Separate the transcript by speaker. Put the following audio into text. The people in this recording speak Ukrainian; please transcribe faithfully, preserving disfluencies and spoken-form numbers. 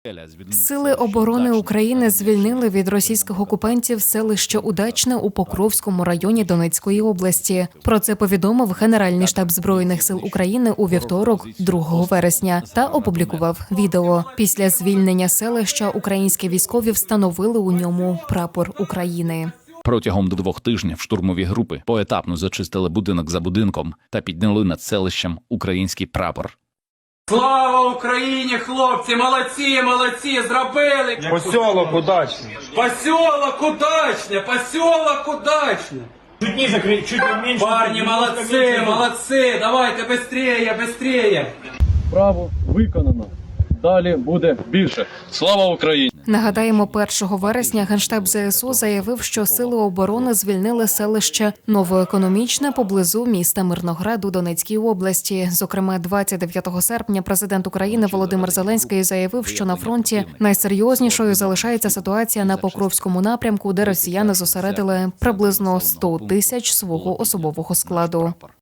Speaker 1: Сили оборони України звільнили від російських окупантів селище Удачне у Покровському районі Донецької області. Про це повідомив Генеральний штаб Збройних сил України у вівторок, другого вересня, та опублікував відео. Після звільнення селища українські військові встановили у ньому прапор України.
Speaker 2: Протягом двох тижнів штурмові групи поетапно зачистили будинок за будинком та підняли над селищем український прапор.
Speaker 3: Слава Україні, хлопці! Молодці, молодці! Зробили!
Speaker 4: Посілок Удачне.
Speaker 3: Посілок Удачне! Посілок Удачне!
Speaker 4: Чуть ниже, чуть меньше.
Speaker 3: Парні, молодці, молодці! Давайте, быстрее, быстрее!
Speaker 5: Справу виконано. Далі буде більше. Слава Україні!
Speaker 1: Нагадаємо, першого вересня Генштаб ЗСУ заявив, що сили оборони звільнили селище Новоекономічне поблизу міста Мирноград у Донецькій області. Зокрема, двадцять дев'ятого серпня президент України Володимир Зеленський заявив, що на фронті найсерйознішою залишається ситуація на Покровському напрямку, де росіяни зосередили приблизно сто тисяч свого особового складу.